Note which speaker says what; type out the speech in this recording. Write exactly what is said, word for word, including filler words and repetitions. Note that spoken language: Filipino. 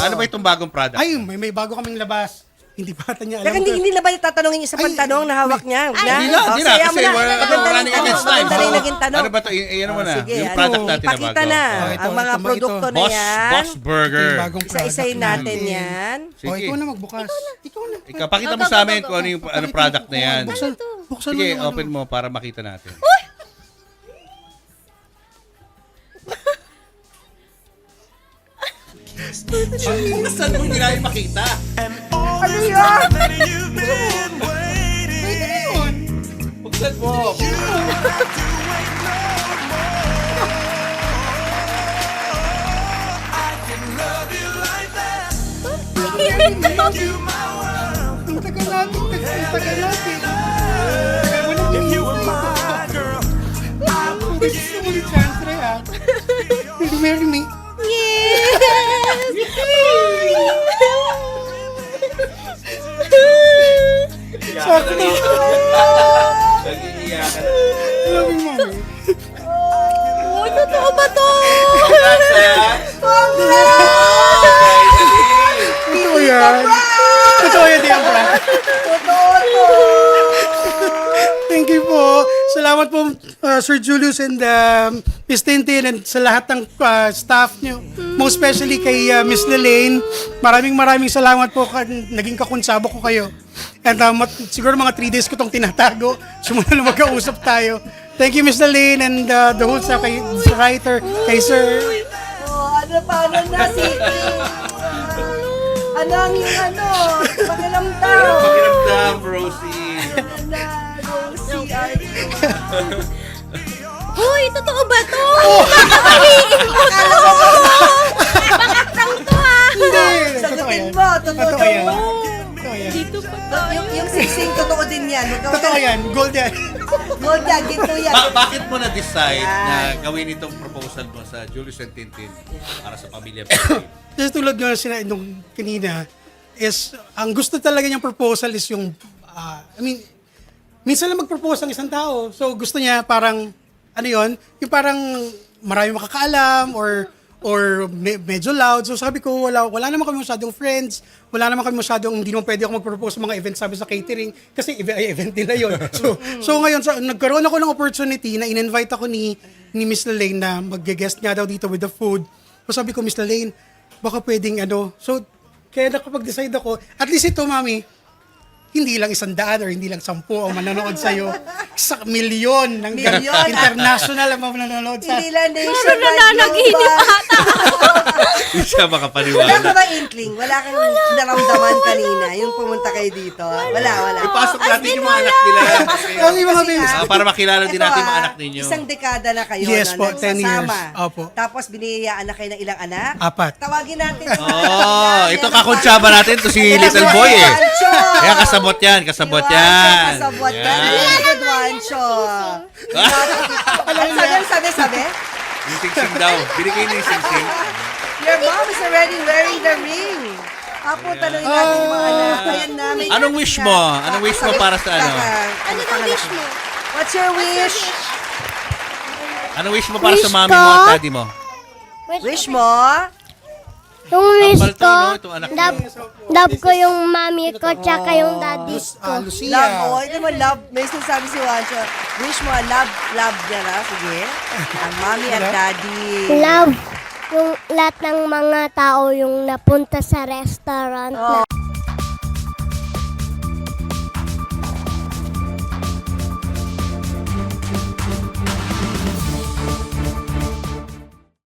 Speaker 1: Ano ba itong bagong product?
Speaker 2: Ay, may, may bago kaming labas. Hindi pa ata niya alam.
Speaker 3: Kaya hindi,
Speaker 2: to.
Speaker 3: hindi na ba tatanungin isa pang
Speaker 2: Ay,
Speaker 3: tanong na hawak niya?
Speaker 1: Hindi na, hindi na. Kasi we're running against time.
Speaker 3: Maganda rin naging tanong.
Speaker 1: Ano ba ito? Iyan mo na.
Speaker 3: Sige,
Speaker 1: Yung
Speaker 3: ano,
Speaker 1: product natin na bago.
Speaker 3: ipakita na
Speaker 2: Oh, ito,
Speaker 3: ang mga
Speaker 2: ito, ito.
Speaker 3: produkto na
Speaker 1: Boss,
Speaker 3: yan.
Speaker 1: Boss Burger.
Speaker 2: Yung bagong product
Speaker 3: Isa-isayin natin
Speaker 2: namin.
Speaker 3: yan.
Speaker 2: O,
Speaker 1: Sige.
Speaker 2: ikaw na magbukas. Ikaw na.
Speaker 1: Ikaw, pakita mo sa amin kung ano yung ano product na yan.
Speaker 2: Buksan, buksan
Speaker 1: Sige,
Speaker 2: mo yung ano.
Speaker 1: open mo para makita natin. Buksan mo, hindi namin makita.
Speaker 3: Ano yan?
Speaker 1: Buksan mo.
Speaker 2: Ang tagal natin. Ang tagal natin. Tagal mo nang This is the only chance that I have. Will you marry me? Sakto na.
Speaker 1: Nag-iiyakan.
Speaker 2: Love you, mommy.
Speaker 3: Uy, totoo ba to?
Speaker 2: Totoo yan. Totoo yan, Diabra.
Speaker 3: Totoo to.
Speaker 2: Thank you po. Salamat po, uh, Sir Julius and um, Miss Tintin and sa lahat ng uh, staff nyo. Most especially kay uh, Miss Lelaine. Maraming maraming salamat po. Ka- naging kakunsabo ko kayo. And uh, mat- siguro mga three days ko itong tinatago. Sumula na magkausap tayo. Thank you, Miss Lelaine and uh, the whole sa, kay, sa writer, kay Sir.
Speaker 3: Oh, ano pa, ano na, Siki? Ano ang yung ano? Pakiramdam.
Speaker 1: Pakiramdam, Rosie.
Speaker 3: Ano na, Rosie, Art.
Speaker 4: Hoy, totoo ba to? Kakaiin ko to! Bakit to ha?
Speaker 2: Hindi. Totoo
Speaker 3: Sagutin
Speaker 2: yan.
Speaker 3: mo, totoo
Speaker 2: Totoo yan.
Speaker 3: to.
Speaker 2: Totoo yan.
Speaker 4: Dito pa
Speaker 3: To- Yung, yung siksing, totoo din yan. Ikaw
Speaker 2: Totoo yan. Gold yan.
Speaker 3: Gold yan, ginto yan.
Speaker 1: Ba- bakit mo na-decide na gawin itong proposal mo sa Julius and Tintin para sa pamilya Pinoy?
Speaker 2: Kasi tulad nga sina nung kanina, is, ang gusto talaga niyang proposal is yung, ah, I mean, minsan lang mag-propose ang isang tao. So gusto niya parang, ano yon, yung parang marami makakaalam or or me- medyo loud. So sabi ko, wala, wala naman kami masyadong friends, wala naman kami masyadong, hindi naman pwede ako mag-propose sa mga events sabi sa catering, kasi ev- ay, event nila yun. So, so ngayon, so, nagkaroon ako ng opportunity na in-invite ako ni, ni Miss Lelaine na mag-guest nga daw dito with the food. So sabi ko, Miss Lelaine, baka pwedeng ano. So, kaya nakapag-decide ako, at least ito, mami, hindi lang isang daan or hindi lang sampu ang manonood sa'yo. Sa milyon ng
Speaker 3: Milyon.
Speaker 2: international ang manonood sa...
Speaker 3: Hindi lang
Speaker 4: Parang
Speaker 3: nationwide
Speaker 4: nananaginip
Speaker 3: global.
Speaker 4: ata.
Speaker 1: Hindi siya
Speaker 3: Wala ka
Speaker 1: makapaniwala.
Speaker 3: ba inkling? Wala kang naramdaman kanina yung pumunta kayo dito? Wala, wala.
Speaker 1: Ipasok natin yung mga anak nila.
Speaker 2: Ang ibang
Speaker 3: Kasi
Speaker 2: babies.
Speaker 3: nga,
Speaker 1: Ah, para makilala din
Speaker 3: ito,
Speaker 1: natin yung mga
Speaker 3: ah,
Speaker 1: anak ninyo.
Speaker 3: Isang dekada na kayo
Speaker 2: Yes
Speaker 3: na
Speaker 2: po, ten years.
Speaker 3: nagsasama.
Speaker 2: Opo.
Speaker 3: Tapos biniyayaan na kayo ng ilang anak.
Speaker 2: Apat.
Speaker 3: Tawagin natin.
Speaker 1: Oh, ito kakuntsaba natin to si Little Boy eh. Kaya kasabot yan, kasabot yan.
Speaker 3: Kasabot yan.
Speaker 1: Yan.
Speaker 3: Good one, Cho. Ano sabi, sabi, sabi?
Speaker 1: Yung sing-sing daw. Binigay niya yung sing-sing.
Speaker 3: Your mom is already wearing the ring. Apo, tanongin natin yung mga anak. Ayan na, may
Speaker 1: Anong wish mo? Anong wish mo para sa ano?
Speaker 4: Ano daw wish mo?
Speaker 3: What's your wish?
Speaker 1: Anong wish mo para sa
Speaker 5: Wish
Speaker 1: mami
Speaker 5: ko?
Speaker 1: mo at daddy mo?
Speaker 3: Wish mo?
Speaker 5: Yung wish
Speaker 1: Ambal to,
Speaker 5: ko,
Speaker 1: no? Itong anak
Speaker 5: love, love ko yung mami ko tsaka yung daddy
Speaker 2: Lus-
Speaker 5: ko.
Speaker 2: ah, Lucia.
Speaker 3: Love mo. Ito mo, love. May sinasabi si Wancho. Wish mo, love, love niya na. Sige. Ang mommy at daddy.
Speaker 5: Love yung lahat ng mga tao yung napunta sa restaurant na